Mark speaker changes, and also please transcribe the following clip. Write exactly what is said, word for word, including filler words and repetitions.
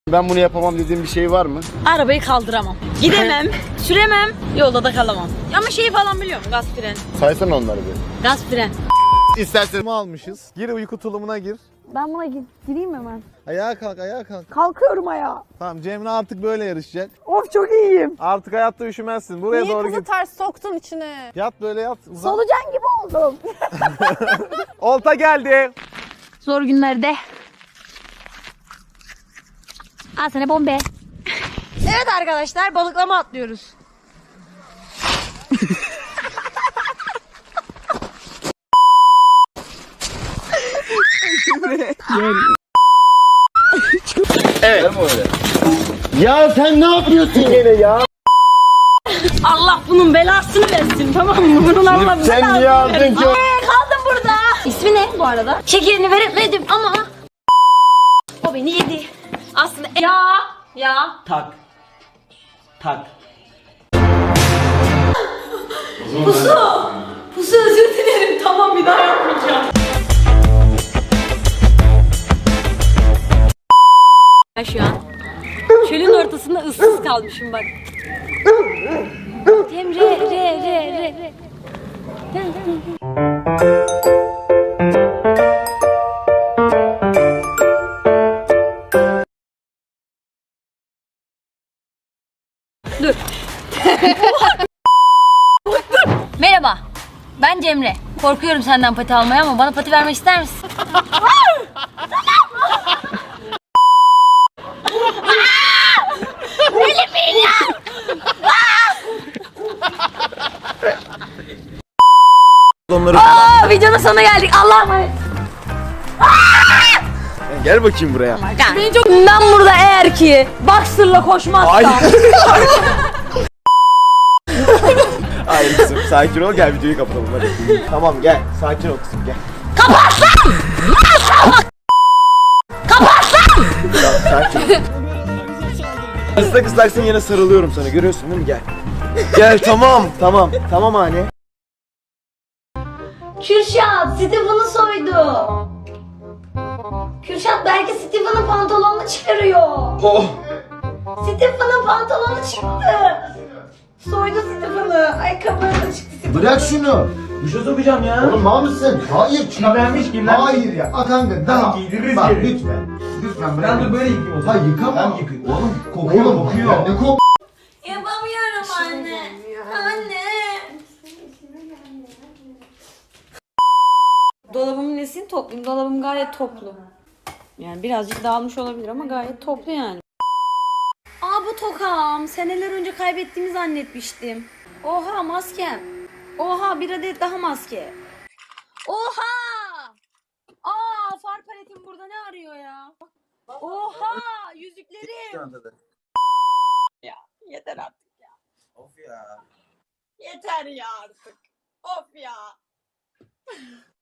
Speaker 1: Ben bunu yapamam dediğim bir şey var mı?
Speaker 2: Arabayı kaldıramam. Gidemem, süremem, yolda da kalamam. Ama şeyi falan biliyorum, gaz fren.
Speaker 1: Saysana onları bir.
Speaker 2: Gaz fren.
Speaker 1: İstersen almışız. Gir uyku tulumuna gir.
Speaker 3: Ben buna gireyim hemen.
Speaker 1: Ayağa kalk, ayağa kalk.
Speaker 3: Kalkıyorum ayağa.
Speaker 1: Tamam, Cemre artık böyle yarışacak.
Speaker 3: Of çok iyiyim.
Speaker 1: Artık hayatta üşümezsin. Buraya
Speaker 4: Niye
Speaker 1: doğru
Speaker 4: kızı
Speaker 1: git.
Speaker 4: ters soktun içine?
Speaker 1: Yat böyle yat. Uzan.
Speaker 3: Solucan gibi oldum.
Speaker 1: Olta geldi.
Speaker 2: Zor günlerde. Al sana bombe. Evet arkadaşlar, balıklama atlıyoruz.
Speaker 1: Evet. Ya sen ne yapıyorsun gene ya?
Speaker 2: Allah bunun belasını versin, tamam mı? Bunun Allah
Speaker 1: Sen
Speaker 2: belasını
Speaker 1: niye aldın
Speaker 2: versin.
Speaker 1: ki?
Speaker 2: Ee, kaldım burada. İsmi ne bu arada? Şekerini veremedim ama o beni yedi. Aslında ya ya.
Speaker 5: Tak. Tak.
Speaker 2: Pusu. Pusu özür dilerim. Tamam, bir daha yapmayacağım. Ben şu an çölün ortasında ıssız kalmışım bak. Cemre re re re re. Dur. Merhaba. Ben Cemre. Korkuyorum senden pati almaya ama bana pati vermek ister misin?
Speaker 1: Onları
Speaker 2: Aa, videonun sonuna geldik. Allah'a emanet.
Speaker 1: gel bakayım buraya.
Speaker 2: Beni çok... Ben burada eğer ki boxer'la koşmazsam.
Speaker 1: Ay. Hayır kızım, sakin ol, gel videoyu kapatalım hadi. Tamam gel, sakin ol kızım gel.
Speaker 2: Kapat lan! Kapat lan!
Speaker 1: Tamam, sakin ol. Islak ıslaksın, yine sarılıyorum sana, görüyorsun değil mi? Gel. Gel, tamam tamam tamam anne.
Speaker 2: Kürşat, Steven'ı soydu. Kürşat belki Steven'ın pantolonunu çıkarıyor.
Speaker 1: Oh.
Speaker 2: Steven'ın pantolonu çıktı. Soydu Steven'ı. Ayakkabıları da çıktı Steven'ın.
Speaker 6: Bırak şunu.
Speaker 5: Bir şey sokacağım ya.
Speaker 6: Oğlum mal mısın? Hayır.
Speaker 5: Kirlenmiş, kirlenmiş.
Speaker 6: Hayır ya. Aa, kanka daha.
Speaker 5: giydiririz
Speaker 6: Bak
Speaker 5: geri.
Speaker 6: lütfen. Lütfen bırak.
Speaker 5: Ben de böyle yıkayayım o zaman.
Speaker 6: Hayır yıkama.
Speaker 5: Ben yıkayayım.
Speaker 6: Oğlum kokuyor.
Speaker 5: Oğlum,
Speaker 6: Oğlum
Speaker 5: kokuyor.
Speaker 6: Ya, ne kok?
Speaker 2: Yapamıyorum anne. Anne. Dolabımın nesini toplayayım? Dolabım gayet toplu. Yani birazcık dağılmış olabilir ama gayet toplu yani. Aa, bu tokam. Seneler önce kaybettiğimi zannetmiştim. Oha, maskem. Oha, bir adet daha maske. Oha! Aa, far paletim burada ne arıyor ya? Oha, yüzüklerim. Ya yeter artık ya.
Speaker 5: Of ya.
Speaker 2: Yeter ya artık. Of ya.